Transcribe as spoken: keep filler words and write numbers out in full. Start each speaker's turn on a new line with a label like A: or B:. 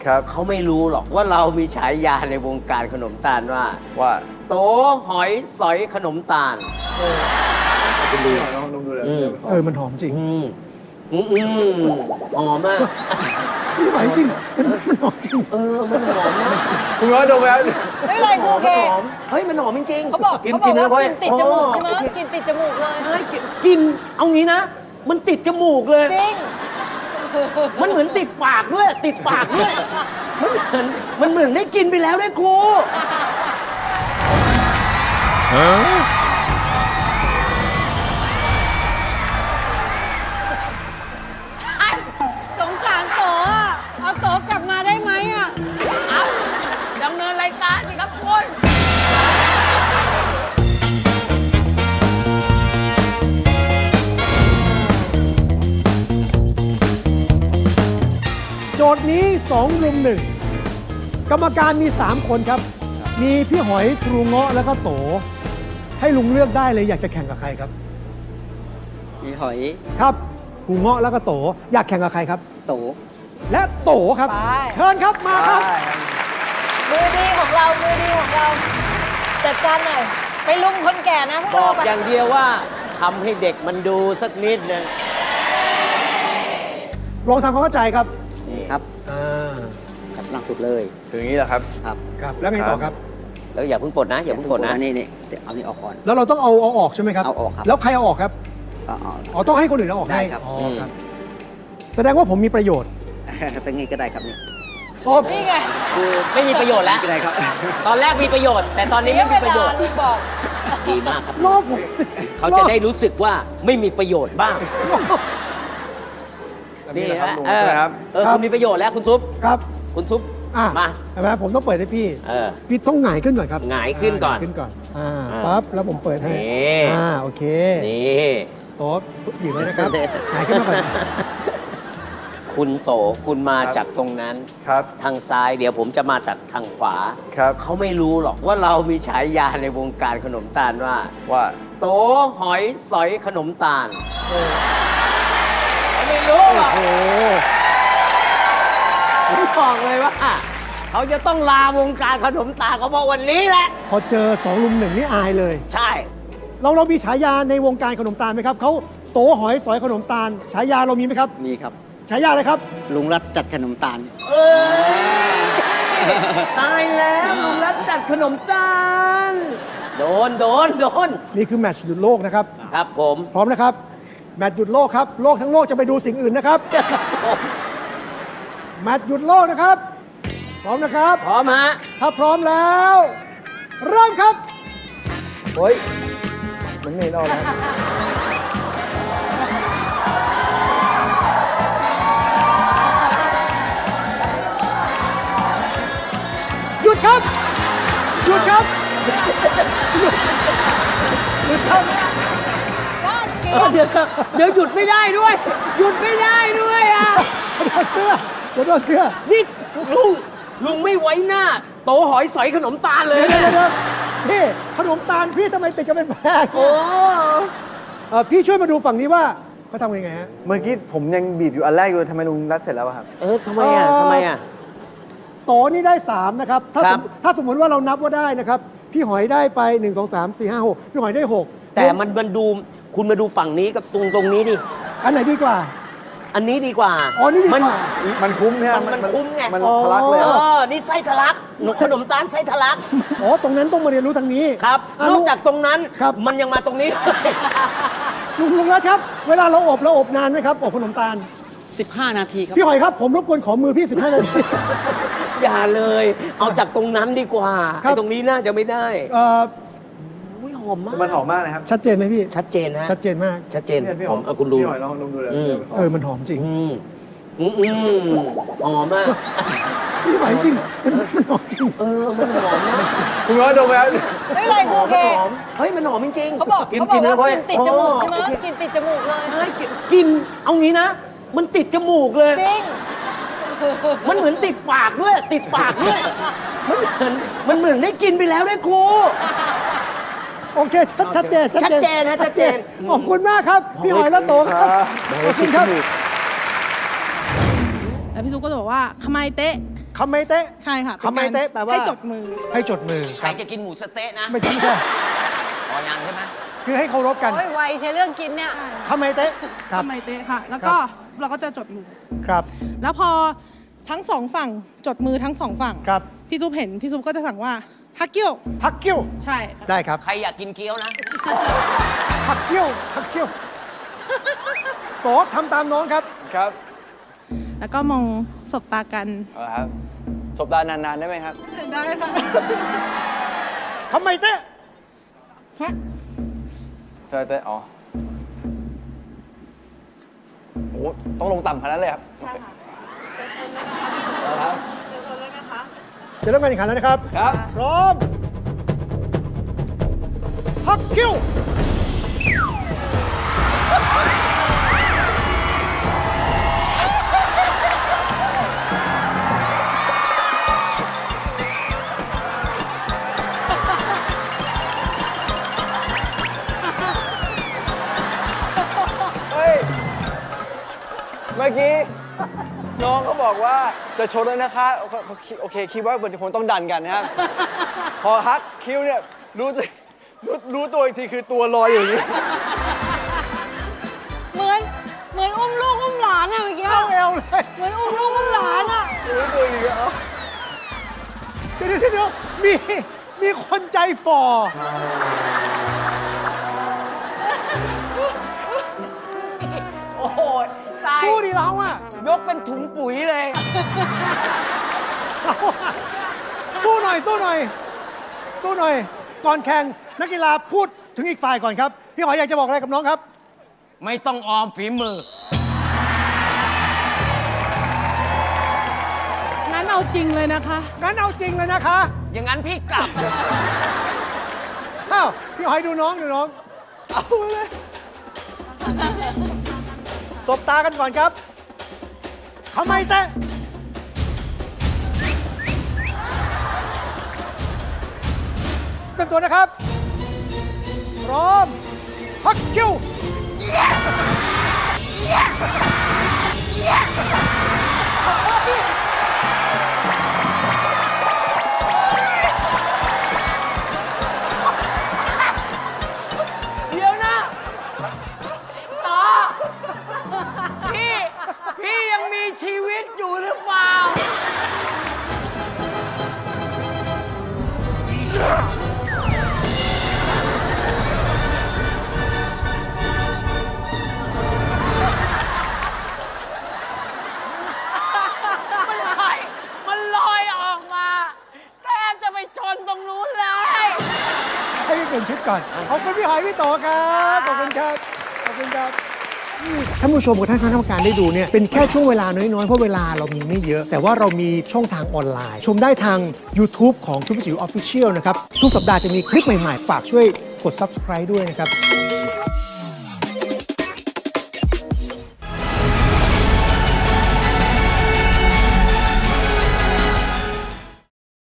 A: ครับ
B: เขาไม่รู้หรอกว่าเรามีฉายาในวงการขนมตาลว่า
A: ว่า
B: โตหอยสอยขนมตาล
A: คุณดูลองดูเลย
B: อืม
C: เออมันหอมจริง
B: อืมอืมอืมหอมมาก
C: พี่หอยจริงมันมันหอมจริง
B: เออมันหอมมาก
A: คุณร้อยดมแล้ว
D: ไม่เป็นไรครูเค
B: หอมเฮ้ยมันหอมจริงๆ
D: เขาบอก
B: กิน
D: เขาบ
B: กิ
D: อน ก
B: แล้ว
D: ว่า
B: ก็
D: กินติดจมูกใช่ไหม
B: อ๋อ
D: กินติดจมูกเลย
B: ใช่กินกินเอางี้นะ มันติดจมูกเลย
D: จริง
B: มันเหมือนติดปากด้วย ติดปากด้วย มันเหมือนมันเหมือนได้กินไปแล้วด้วยครู
D: สงสารโตอ่ะเอาโตกลับมาได้ไหมอ่ะ
B: เอาดำเนินรายการสิครับคุณ
C: โจทย์นี้สองรุมหนึ่งกรรมการมี สาม คนครับ มีพี่หอยครูเงาะแล้วก็โต ให้ลุงเลือกได้เลยอยากจะแข่งกับใครครับ
E: มีหอย
C: ครับครูเงาะแล้วก็โต อยากแข่งกับใครครับ
E: โต
C: และโตครับ
D: ไป
C: เชิญครับมาครับ
D: มือดีของเรา มือดีของเรา จัดการหน่อย ไปลุมคนแก่นะพวก
B: บอ
D: เรา
B: ก
D: ไป
B: อย่างเดียวว่าทำให้เด็กมันดูสักนิดนึง
C: ลองทำความเข้าใจครับ
E: นี่ครับ
C: อ่า
E: ครับล่างสุดเลย
A: ถึงนี้แหละครับ
E: ครับ
C: ครับแล้วไงต่อครับ
B: แล้วอย่าเพิ่งปลดนะ อย่าเพิ่งปลดนะ
E: อันนี้นี่เดี๋ยวเอานี่ออกก่อน
C: แล้วเราต้องเอาเอาออกใช่ไหมครับ
E: เอาออกครับ
C: แล้วใครเอาออกครับ
E: เอาเอา
C: อ๋อต้องให้คนอื่นเอาออกให้
E: ได้ครับ
C: อ๋อครับ แสดงว่าผมมีประโยชน์
E: ตั้งงี้ก็ได้ครับนี่
C: อ๋อ
D: นี่ไง
B: คือไม่มีประโยชน์แล้ว
E: ก็ได้ครับ
B: ตอนแรกมีประโยชน์ แต่ตอนนี้
D: เสีย
B: ไม่
D: เว
B: มีประโย
D: ลา
B: ชน์
D: ลุงบอก
B: ดีมากครับ
C: รอผม
B: เขาจะได้รู้สึกว่าไม่มีประโยชน์บ้าง
A: นี่
B: นี่
A: แหละครับ
B: นะ
A: ลุง
B: เออ
A: ใช่ไหมครับ
B: เออคุณมีประโยชน์แล้วคุณซุป
C: ครับ
B: คุณซุป
C: อ่ะ
B: มา
C: ใช่ไหมผมต้องเปิดให้พี่
B: เออ
C: พี่ต้องหงายขึ้นก่อนครับ
B: หงายขึ้นก่อน
C: หงายขึ้นก่อน อ่า
B: อ่า
C: ปั๊บ แล้วผมเปิดให้
B: นี่
C: อ่า โอเค
B: นี่
C: โต๊ะบีบไว้นะครับหงายขึ้นมาก่อน
B: คุณโตคุณมา
A: ครับ
B: จากตรงนั้น
A: ครับ
B: ทางซ้ายเดี๋ยวผมจะมาจากทางขวา
A: ครับ
B: เขาไม่รู้หรอกว่าเรามีฉายาในวงการขนมตาลว่า
A: ว่า
B: โตหอยสอยขนมตาลเขาไม่รู้หรอก
C: โอ้
B: ผมบอกเลยว่า เขาจะต้องลาวงการขนมตาลเขาเพราะวันนี้แหละ
C: พอเจอสองลุมหนึ่งนี่อายเลย
B: ใช่
C: เราเรามีฉายาในวงการขนมตาลไหมครับ เขาโตหอยสอยขนมตาล ฉายาเรามีไหมครับ
E: มีครับ
C: ฉายาอะไรครับ
E: ลุงรัดจัดขนมตาล
B: เออตายแล้วลุงรัฐจัดขนมตาล โดนโดนโดน
C: นี่คือแมตช์หยุดโลกนะครับ
B: ครับผม
C: พร้อมนะครับ แมตช์หยุดโลกครับ โลกทั้งโลกจะไปดูสิ่งอื่นนะครับ แมตช์หยุดโลกนะครับ พร้อมนะครับ
B: พร้อมฮะ
C: ถ้าพร้อมแล้ว เริ่มครับ
A: โอ้ยมันไม่เห็นออกนะ
C: หยุดครับ หยุดครับ หยุดครับ
D: ก้านเกลี
B: เออ
D: ยว
B: เดี๋ยวเดี๋ยวหยุดไม่ได้ด้วย หยุดไม่ได้ด้วยอ่ะ
C: โดนเสื้อเดี๋ยวโดนเสื้อ
B: นี่ลุงลุงไม่ไว้หน้า โตหอยสอยขนมตาลเลย
C: เดี๋ยว
B: นะ
C: เดี๋ยวเดี๋ยวพี่ขนมตาลพี่ทำไมติดกันเป็นแพง
B: โอ้
C: เอ่อพี่ช่วยมาดูฝั่งนี้ว่าเขาทำยังไงฮะ
A: เมื่อกี้ผมยังบีบอยู่อันแรกอยู่ทำไมลุงรัดเสร็จแล้วอะครับ
B: เออทำไมอ่ะ
C: เอ่อ
B: ทำไมอ่ะ
C: โตนี่ได้ สาม นะครับ ถ้า
B: ครั
C: ส
B: บ
C: มถ้าสมมติว่าเรานับว่าได้นะครับ พี่หอยได้ไป หนึ่ง สอง สาม สี่ ห้า หก พี่หอยได้ หก
B: แต่มันมันดูคุณมาดูฝั่งนี้กับตรงตรงนี้ดิ
C: อันไหนดีกว่า
B: อันนี้ดีกว่า
C: อ๋อนี่ดีกว่า
A: มันคุ้มใช่ไหม
B: มันมันคุ้มไง
A: มัน
C: อ๋อ
A: ทะลักเลย
B: เอ
A: อะ
B: อ นี่ไส้ทะลักหนูขนมตาลไส้ทะลัก
C: อ๋อ ตรงนั้นต้องมาเรียนรู้ทางนี้
B: ครับ
C: อ่ะ
B: น
C: ลุ
B: อก
C: ง
B: จากตรงนั้น
C: ครับ
B: มันยังมาตรงนี้
C: ลุงลุงรัฐครับ เวลาเราอบเราอบนานไหมครับ อบขนมตาล
E: สิบห้า นาทีครับ
C: พี่หอยครับ ผมรบกวนขอมือพี่ สิบห้า นาที
B: อย่าเลย เอาจากตรงนั้นดีกว่า
C: ครับ
B: ไอ้ตรงนี้น่าจะไม่ได้
C: เอ่อ
B: อุ้ยหอมมาก
A: มันหอมมากเลยครับ
C: ชัดเจนไหมพี่
B: ชัดเจนฮะ
C: ชัดเจนมาก
B: ชัดเจน
A: เนี่ยพี่
B: หอมเอาคุณดู
A: พี่หอยลองดมดูเลย
B: อืม
C: เออ มันหอมจริง
B: อืมอืมอืมหอมมาก
C: พี่หอยจริง มันมันหอมจริง
B: เออ มันหอมมาก
A: คุณร้อยดมแล้ว
D: ไม่เป็นไรครูเค
B: หอมเฮ้ย มันหอมจริงๆ
D: เขาบอก
B: กิน
D: เขาบ
B: กิ
D: อน ก
B: แล้ว
D: ว่ากินติดจมูกใช่ไหม
B: โอเค
D: กินติดจมูกเลย
B: ใช่กินกิน เอางี้นะ มันติดจมูกเลย
D: จริง
B: มันเหมือนติดปากด้วย ติดปากด้วย มันเหมือนมันเหมือนได้กินไปแล้วด้วยครู
C: โอเค ชัดชัดเจน
B: ชัดเจนนะชัดเจน
C: ขอบคุณมากครับ พี่หอยและโตครับ ขอบคุณครับ
F: แล้วพี่ซุปก็จะบอกว่าขมายเตะ
C: คำไมเตะ
F: ใช่ค่ะ
C: คำไมเตะแปลว่า
F: ให้จดมือ
C: ให้จดมือ
B: ใครจะกินหมูสะเต๊ะนะ
C: ไม่ใช่ไม่ใช่
B: อ๋อยังใช่ไหม
C: คือให้เคารพกัน
D: โอ้ยไวใช่เรื่องกินเนี่ย
C: คำไมเตะครับ
F: ทำไมเตะค่ะ แล้วก็เราก็จะจดมือ
C: ครับ
F: แล้วพอทั้งสองฝั่งจดมือทั้งสองฝั่ง
C: ครับ
F: พี่ซุปเห็นพี่ซุปก็จะสั่งว่าฮักเกี้ยว
C: พักคิ้ว
F: ใช่ค่ะ
C: ได้ครับ
B: ใครอยากกินเกี๊ยวนะ
C: พักคิ้วพักคิ้วโตทำตามน้องครับ
A: ครับ
F: แล้วก็มองสบตากัน
A: เอาครับสบตานานๆได้ไหมครับ
F: ได้ค่ะ
C: คำไมเตะ
F: ฮะ
A: เธอแต่อ๋อโอ้ต้องลงต่ำขนาดนั้นเลยครับ ใช่ค่ะครับ
C: จะเริ่มการแข่งขันแล้วนะครับ
A: ครับ
C: พร้อม พักคิ้ว
A: เฮ้ย เมื่อกี้ น้องเขาบอกว่าจะชนแล้วนะคะโอเคโอเคคิดว่ามันจะคงต้องดันกันนะครับ พอฮักคิ้วเนี่ยรู้ตัวรู้รู้ตัวอีกทีคือตัวลอยอย่างนี้
D: เหมือน เหมือนอุ้มลูกอุ้มหลานอะเมื่อกี้
C: เข้าเอวเลย
D: เหมือนอุ้มลูกอุ้มหลานอะ
A: รู้ตัวอีกทีเอ้า
C: เดี๋ยวเดี๋ยวเดี๋ยวมีมีคนใจฝ่อ
B: โอ้โหตาย
C: สู้ดิเราอะ
B: ยกเป็นถุงปุ๋ยเลย
C: เราอะสู้หน่อยสู้หน่อย สู้หน่อย ก่อนแข่งนักกีฬาพูดถึงอีกฝ่ายก่อนครับ พี่หอยอยากจะบอกอะไรกับน้องครับ
B: ไม่ต้องออมฝีมือ
F: งั้นเอาจริงเลยนะคะ
C: งั้นเอาจริงเลยนะคะ
B: อย่างนั้นพี่กลับ
C: อ้าวพี่หอยดูน้องดูน้อง เอาเลยตบตากันก่อนครับทำไมเตะเต็มตัวนะครับ พร้อม พักคิ้ว
B: เดี๋ยวนะต่อ พี่ พี่ยังมีชีวิตอยู่หรือเปล่า มันลอย มันลอยออกมาแทบจะไปชนตรงนู้นเลย
C: ให้พี่เปลี่ยนชุดก่อน ขอบคุณพี่หอยพี่โตครับ ขอบคุณครับ ขอบคุณครับท่านผู้ชมกับท่านคณะกรรมการได้ดูเนี่ยเป็นแค่ช่วงเวลาน้อย ๆ เพราะเวลาเรามีไม่เยอะ แต่ว่าเรามีช่องทางออนไลน์ ชมได้ทาง YouTube ของทุกจิ๋วออฟฟิเชียลนะครับ ทุกสัปดาห์จะมีคลิปใหม่ ๆ ฝากช่วยกด Subscribe ด้วยนะครับ